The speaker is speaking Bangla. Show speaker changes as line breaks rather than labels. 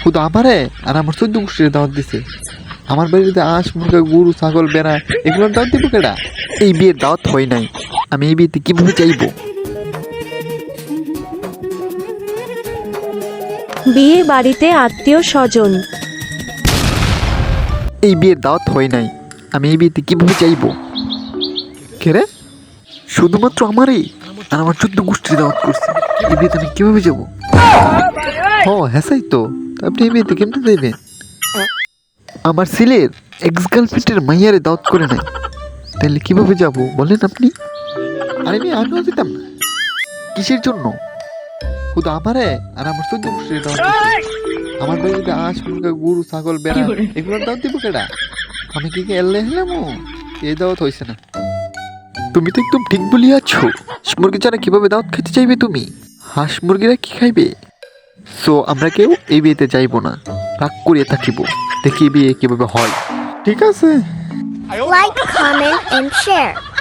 শুধু আমারে আর আমার 14 গোষ্ঠীর দাওয়াত দিছে। আমার বাড়িতে আঁশ মুরগা গরু ছাগল বেড়া এগুলোর দাওয়াত দিব কেডা? এই বিয়ের দাওয়াত হয় নাই, আমি এই বিয়েতে কিভাবে চাইবো?
বিয়ে বাড়িতে আত্মীয় স্বজন।
এই বিয়ের দাওয়াত হয় নাই, আমি এই বিয়েতে কিভাবে চাইবো? কে রে? শুধুমাত্র আমারই আর আমার 14 গোষ্ঠীর দাওয়াত করছে, এই বিয়েতে আমি কিভাবে যাবো? হ্যাঁ তো আপনি এই বিয়েতে কেমনে যাইবেন? আমার ছেলের এক্স গার্লফ্রেন্ডের মাইয়ারে দাওয়াত করে নাই, তাহলে কিভাবে যাব বলেন আপনি? আরে আমিও যেতাম না। কিসের জন্য? শুধু আমারে আর আমার 14 গোষ্ঠীর দাওয়াত দিছে। আমার বাড়িতে আঁশ মুরগা গরু ছাগল বেড়া এগুলোর দাওয়াত দিব কেডা? আমি কি এল্লে হলাম? এই দাওয়াত হয়েছে না। তুমি তো একদম ঠিক বলিয়াছো। হাঁস মুরগি ছাড়া কিভাবে দাওয়াত খেতে চাইবে তুমি? হাঁস মুরগিরা কি খাইবে? সো আমরা কেউ এই বিয়েতে যাইবো না, রাগ করিয়ে থাকিব, দেখি বিয়ে কিভাবে হয়। ঠিক আছে।
Like, comment, and share.